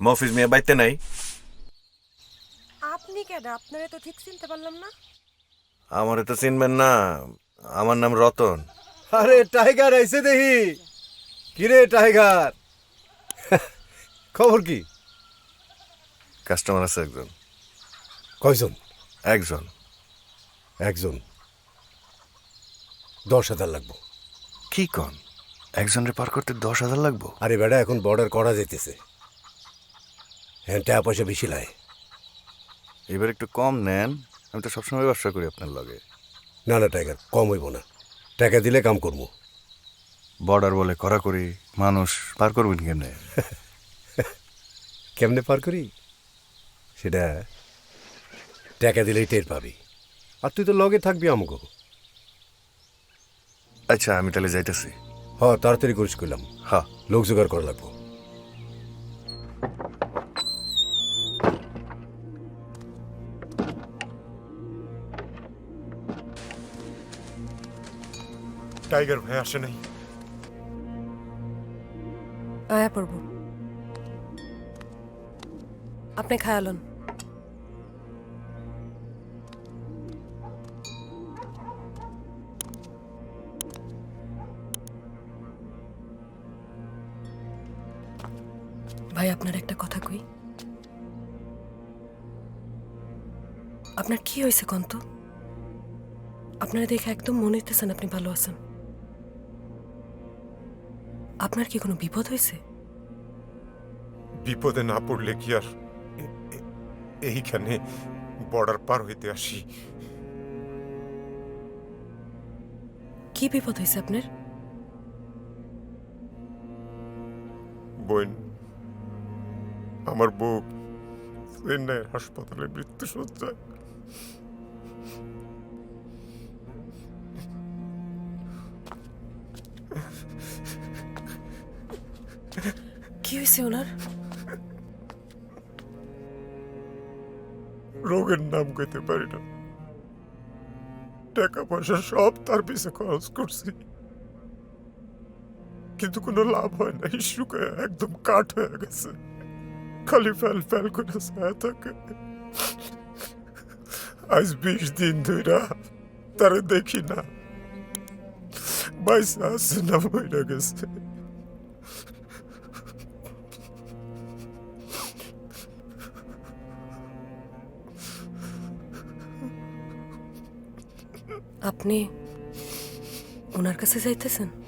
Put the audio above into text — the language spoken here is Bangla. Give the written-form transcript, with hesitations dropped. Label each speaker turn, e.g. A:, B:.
A: মফিজ মিয়া বাইতে নাই?
B: আপনি কেডা? আপনারে তো ঠিক চিনতে পারলাম না।
A: আমারে তো চিনবেন না, আমার নাম রতন।
C: আরে টাইগার আইছে দেখি। কিরে টাইগার, খবর কি?
A: কাস্টমার আছে একজন।
C: কয়জন?
A: একজন।
C: একজন। 10,000 লাগবো।
A: কি কন? একজনের পার করতে 10,000 লাগবো?
C: আরে বেটা, এখন বর্ডার করা যাইতেছে, হ্যাঁ টাকা পয়সা বেশি লাই।
A: এবার একটু কম নেন, আমি তো সবসময় ব্যবসা করি আপনার লগে।
C: না না টাইগার, কম হইব না, টাকা দিলে কাম করবো।
A: বর্ডার বলে করা করি, মানুষ পার করবেন কেমনে?
C: কেমনে পার করি সেটা টাকা দিলেই টের পাবি। আর তুই তো লগে থাকবি আমাকে।
A: আচ্ছা আমি তাহলে যাইতেছি।
C: হ, তাড়াতাড়ি করিস করলাম,
A: হ্যাঁ।
C: লোক জোগাড় করা লাগবো।
D: টাইগার ভাই আসে নাই।
B: আয়া পড়ব। আপনি খায়ালন। ভাই আপনার একটা কথা কই। আপনার কি হয়েছে কন্ত? আপনারা দেখে একদম মনে হইতেছেন আপনি ভালো আছেন। আপনার কি কোনো বিপদ হয়েছে?
D: বিপদে না পড়লে কি আর এইখানে বর্ডার পার হইতে আসি?
B: কি বিপদ হয়েছে আপনার?
D: বোন, আমার বউ চেন্নাইয়ের হাসপাতালে মৃত্যু সজ্জায়।
B: কি হয়েছে ওনার?
D: রোগের নাম কইতে পারি না, টাকা পয়সা সব তার পিছে খরচ করছি, কিন্তু কোনো লাভ হয় না। শুকায় একদম কাঠ হয়ে গেছে, খালি ফেল ফেল করে ছায়া থাকে। আজ 20 দিন ধইরা তারে দেখি না, বাইসা আছে না মইরা গেছে।
B: আপনি ওনার কাছে যাইতেছেন?